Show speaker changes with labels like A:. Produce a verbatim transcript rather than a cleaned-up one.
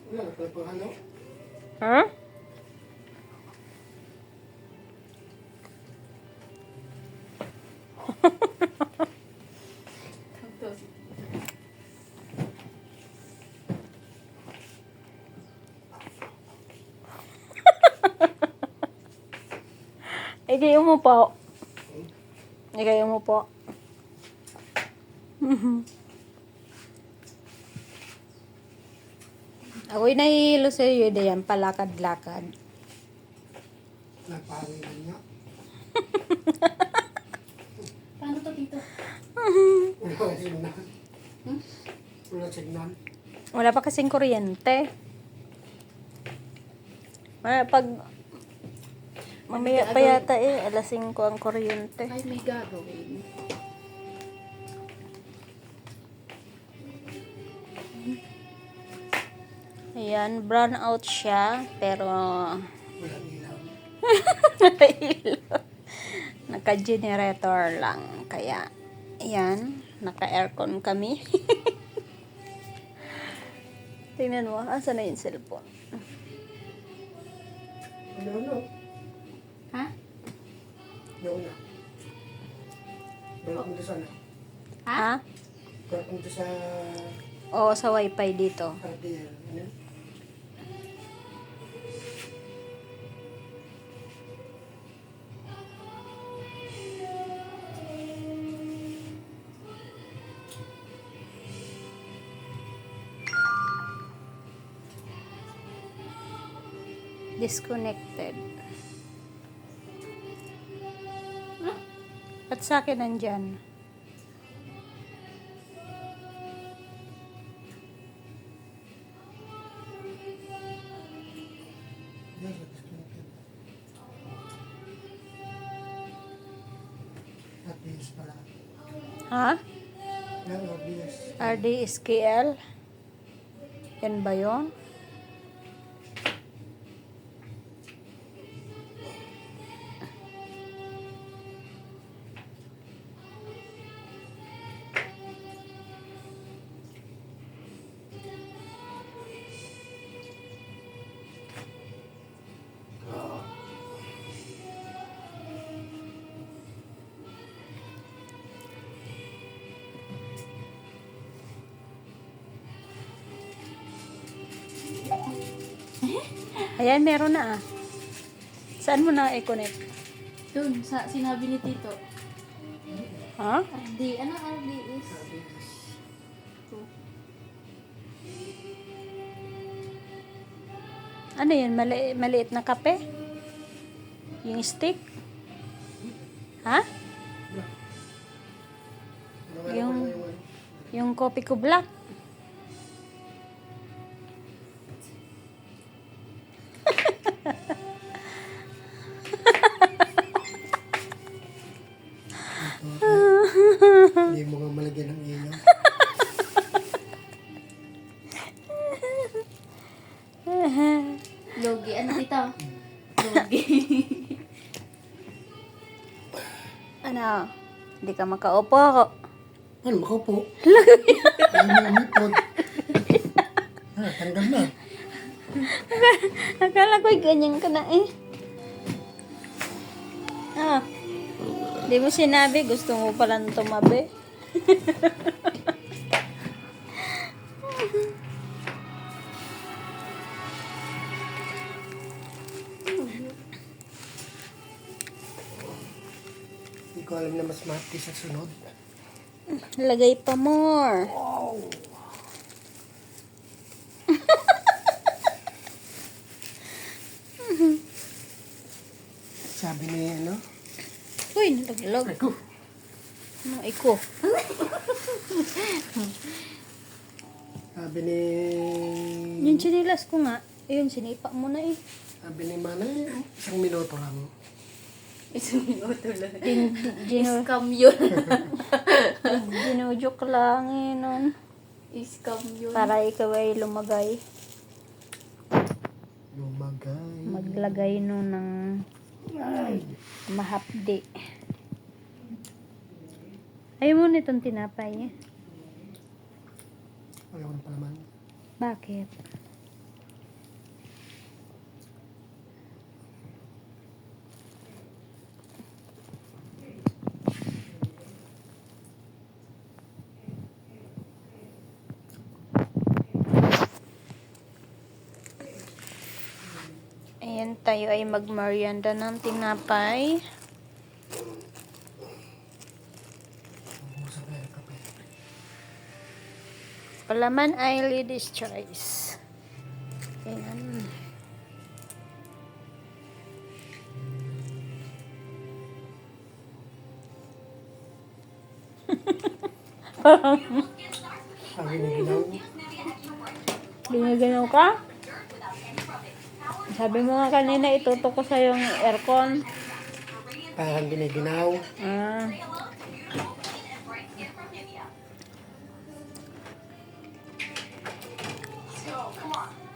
A: Wala, nagpapahalo.
B: Ha? Ikaw mo po. Ikaw mo po. Ako'y nahihilo sa iyo yan, palakad-lakad.
A: Nagpahawilan niya.
C: Paano to, Tito?
A: Wala signal.
C: Hmm?
A: Wala signal.
B: Wala pa kasing kuryente. Wala, pag mamaya pa yata eh, alas singko ang kuryente.
C: Ay, may gagawin.
B: Ayan, brown out siya, pero
A: Wala ilaw.
B: naka-generator lang. Kaya, ayan, naka-aircon kami. Tingnan mo, asa na yung cellphone?
A: Ano, ano?
C: Ha?
A: Doon na. Balik mo doon sana.
B: Ha?
A: Balik mo doon sa
B: Oo, sa wifi dito.
A: R D L. Ano?
B: Disconnected. At sa akin nandyan.
A: Yes, disconnected. R D S pala.
B: Ha?
A: Yan, R D S.
B: R D S K L? Yan ba yun? Ayan, meron na ah. Saan mo na i-connect?
C: Doon, sa sinabi ni Tito.
B: Ha?
C: R D, ano R D is?
B: Ano yun? Mali maliit na kape? Yung stick? Ha?
A: Ano,
B: Yung,
A: ano, ano?
B: yung kopi ko black?
A: Hindi mo nga malagyan ng ilaw.
C: Logi, ano Tito? Logi.
B: Ano? Hindi ka makaupo.
A: Ano, makaupo? Ano mo umipod? Ah, tanggal na.
B: Akala ko'y ganyan ka na eh. Ah. Di mo sinabi, gusto mo palang tumabi.
A: Hindi ko alam na mas mati sa sunod.
B: Lagay pa more.
A: Wow! Sabi ni ano?
B: Uy, nalaglag.
A: Ako.
B: Ano, iko?
A: Sabi ni...
B: Yung chinilas ko nga, ayun, sinipa mo na eh.
A: Sabi ni Manay, isang minuto lang.
C: Isang minuto lang.
B: Gin, gino,
C: Scam yun.
B: ginujoke lang eh nun.
C: Scam yun.
B: Para ikaw ay lumagay.
A: Lumagay.
B: Maglagay nun ng mahapdi. Ayaw mo nitong tinapay eh.
A: Ayaw na palaman.
B: Bakit? Yan, tayo ay magmerienda ng tinapay.
A: Ubus na yung kape.
B: Palaman ay ladies choice. Ayan.
A: Ang giniginaw.
B: Ginaganaw ka? Sabi mo nga kanina, itutok ko sa yung aircon.
A: Parang giniginaw.
B: Ah.
D: So, come on.